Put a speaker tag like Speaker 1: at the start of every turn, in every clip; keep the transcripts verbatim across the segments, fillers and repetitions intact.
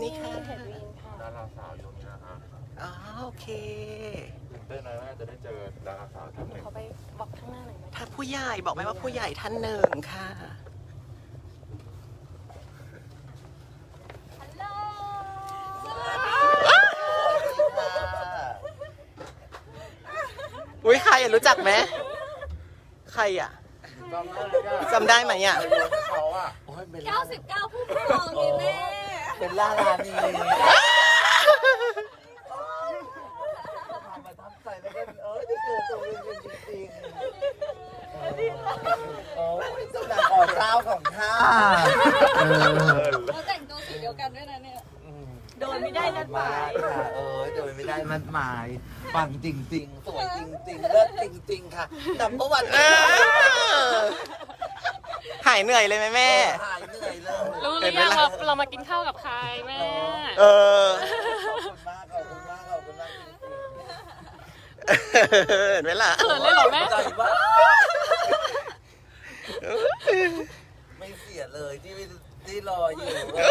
Speaker 1: นี่ค่ะ
Speaker 2: เห็นวินค่ะ
Speaker 3: ดาราสาวอยู่นี่นะฮะ
Speaker 1: อ๋อโอเค
Speaker 3: ตื่นเต้นนะว่าจะได้เจอดาราสาวท่านหนึ่ง
Speaker 2: เขาไปบอกข้างหน้าหน่อยไหม
Speaker 1: ถ้าผู้ใหญ่บอกไหมว่าผู้ใหญ่ท่านหนึ่งค่ะ
Speaker 2: ฮัลโหล
Speaker 1: อุ้ยใครอ่ะรู้จักไหมใครอ่ะ
Speaker 3: จำได้เลยอะ
Speaker 1: จำได้ไหมอ่ะ
Speaker 3: เขาอะ
Speaker 4: โอ้ยเป็น
Speaker 2: เก้าสิบเก้าผู้ปกครองนี่แม่
Speaker 4: เป็นล่าลานีทำมาทำใจแล้วก็เออจะเจอตัวเป็นจริงๆโอ้ยสำนักอ่อเจ้าของข้า
Speaker 2: เราแต่งตัวสีเดียวกันด้วยนะเนี่ย
Speaker 4: โดยไม่ได้นัดหมายค่ะเออโดยไม่ได้นัดหมายปังจริงๆ สวยจริงๆเลิศจริงๆค่ะดับเบิลวัน
Speaker 1: เออหายเหนื่อยเลยไหมแม่
Speaker 4: หายเหนื่อยเลย
Speaker 2: รู้หรือยังว่าเรามากินข้าวกับใครแม่
Speaker 1: เออ
Speaker 4: ขอบคุณมากขอบคุณมากขอบคุณมากจริง
Speaker 1: เห็นไหมล่ะ
Speaker 2: เขินเลยเหรอแม่
Speaker 4: ๆใจมากไม่เสียเลยที่ที่รออยู่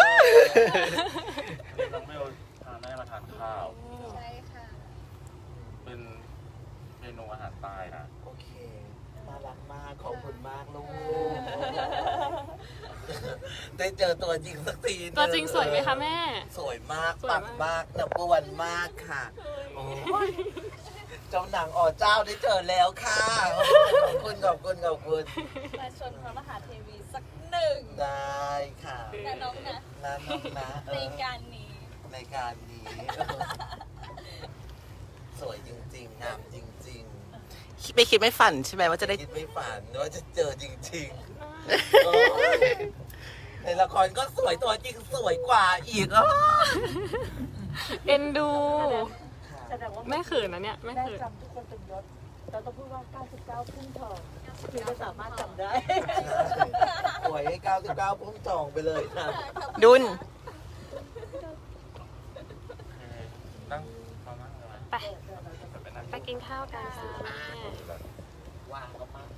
Speaker 3: น้องเมลพาแม่มาทานข้าว
Speaker 2: ใช่ค่ะ
Speaker 3: เป็นเมนูอาหารใต้นะ
Speaker 4: โอเคน่ารักมากขอบคุณมากลูกได้เจอตัวจริงสักทีหนึ่
Speaker 2: ตัวจริงสวยไหมคะแม่
Speaker 4: สวยมาก
Speaker 2: สวย
Speaker 4: ปั
Speaker 2: มาก
Speaker 4: งมากนับวันมากค่ะโอ้ยเจ้าหนังอ๋อเจ้าได้เจอแล้วค่ะขอบคุณขอบคุณขอบคุณ
Speaker 2: มาชนพระมหาเทวีสักหนึ่ง
Speaker 4: ได้ค่ะ
Speaker 2: นะน้องนะ
Speaker 4: นะน้องนะเอ
Speaker 2: ใน
Speaker 4: อ
Speaker 2: การนี้
Speaker 4: ในการนี้สวยจริงๆงามจริง
Speaker 1: ไม่คิดไม่ฝันใช่ไหมว่าจะได้
Speaker 4: ๆคิดไม่ฝันว่าจะเจอจริงๆโอ้ยในละครก็สวยตัวจริงสวยกว่าอีกอ๋อ
Speaker 2: เอ็นดู
Speaker 4: ค่ะ
Speaker 5: แสดงว่า
Speaker 2: แม่เขินนะเนี่ยแม่
Speaker 5: ได้
Speaker 2: เขิน
Speaker 5: จำทุกคนเป็นยศเราต้องพูดว่า เก้าสิบเก้า ขึ้นทองคือจะสามารถจำได้
Speaker 4: สวยให้เก้าสิบเก้าพุ่มทองไปเลยค่ะ
Speaker 1: ดุล
Speaker 3: นั่งมานั่งเลยไหม
Speaker 2: ไป
Speaker 3: ไปนั่ง
Speaker 2: ไปกินข้าวกันค่ะแม่
Speaker 4: ว้าวก็มาก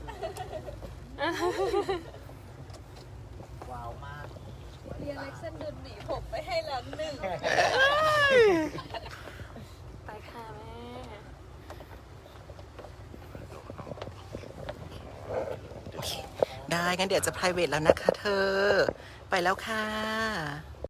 Speaker 4: ว้าวมาก
Speaker 2: เรียนเล็กเส้นดุนหนีผมไปให้แล้วหนึ่งไปค่ะแม่
Speaker 1: ได้งั้นเดี๋ยวจะ private แล้วนะคะเธอ ไปแล้วค่ะ